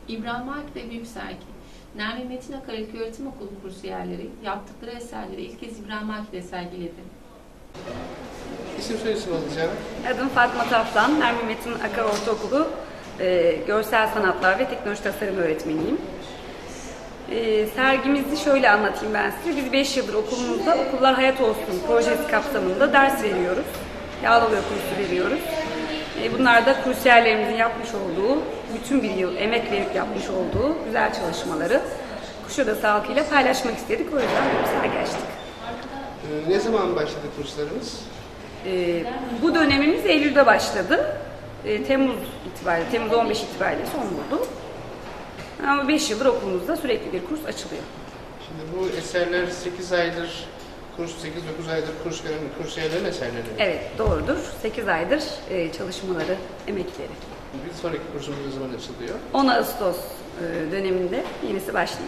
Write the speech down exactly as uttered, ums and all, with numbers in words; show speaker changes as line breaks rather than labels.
İbrahim Akif Büyük Sergi, Nermin Metin Akar İlköğretim Okulu kursiyerleri yaptıkları eserleri ilk kez İbrahim Akif'te sergiledi.
İsim soyisim alacağım.
Adım Fatma Taftan, Nermin Metin Akar Ortaokulu e, Görsel Sanatlar ve Teknoloji Tasarım öğretmeniyim. E, sergimizi şöyle anlatayım ben size. Biz beş yıldır okulumuzda Okullar Hayat Olsun projesi kapsamında ders veriyoruz. Yağlıoya kursu veriyoruz. E, bunlar da kursiyerlerimizin yapmış olduğu, bütün bir yıl emek verip yapmış olduğu güzel çalışmaları Kuşadası halkıyla paylaşmak istedik. O yüzden bir sergi açtık.
Ee, ne zaman başladı kurslarımız?
E, bu dönemimiz Eylül'de başladı. E, Temmuz itibariyle, Temmuz on beş itibariyle son buldu. Ama beş yıldır okulumuzda sürekli bir kurs açılıyor.
Şimdi bu eserler sekiz aydır, kurs sekiz dokuz aydır kurs gören kursiyerlerin eserleri mi?
Evet, doğrudur. sekiz aydır e, çalışmaları, emekleri.
Bir sonraki kursumuz ne zaman açılıyor?
on Ağustos e, döneminde yenisi başlıyor.